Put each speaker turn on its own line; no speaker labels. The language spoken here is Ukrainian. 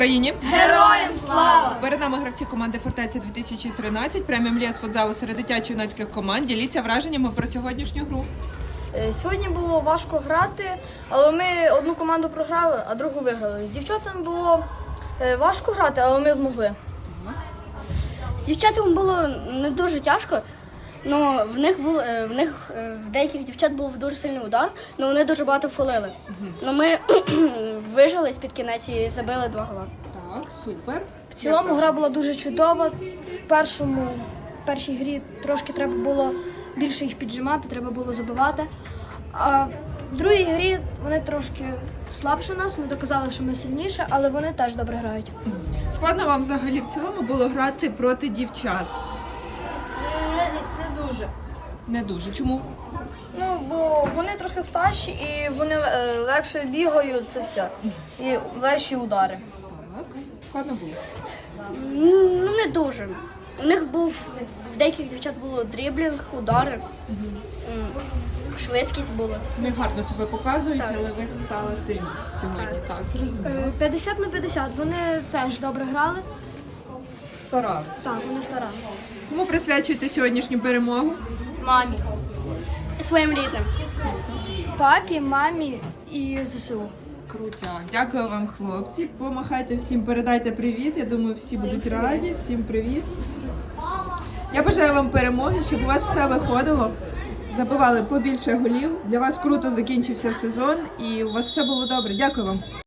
Україні!
Героям слава!
Перед нами гравці команди «Фортеця 2013», преміум ліс футзалу серед дитячо-юнацьких команд. Діліться враженнями про сьогоднішню гру.
Сьогодні було важко грати, але ми одну команду програли, а другу виграли. З дівчатами було важко грати, але ми змогли.
З дівчатами було не дуже тяжко, але в деяких дівчат був дуже сильний удар, але вони дуже багато фолили. Но ми вижили з-під кінець і забили 2 гола.
Так, супер.
В цілому гра була дуже чудова. В першій грі трошки треба було більше їх піджимати, треба було забивати. А в другій грі вони трошки слабше нас, ми доказали, що ми сильніше, але вони теж добре грають.
Складно вам взагалі в цілому було грати проти дівчат?
Не дуже.
Не дуже. Чому?
Бо вони трохи старші і вони легше бігають, це все. І легші удари.
Так. Складно було?
Ну, не дуже. У них в деяких дівчат було дріблінг, удари, швидкість була.
Вони гарно себе показують, але ви стали сильніші сьогодні. Так, зрозуміло.
50 на 50. Вони теж добре грали.
Старались.
Так, вони старалися.
Кому присвячуєте сьогоднішню перемогу?
Мамі.
І своїм рідним.
Папі, мамі і ЗСУ.
Крутяк. Дякую вам, хлопці. Помахайте всім, передайте привіт. Я думаю, всі будуть раді. Всім привіт. Я бажаю вам перемоги, щоб у вас все виходило. Забивали побільше голів. Для вас круто закінчився сезон і у вас все було добре. Дякую вам.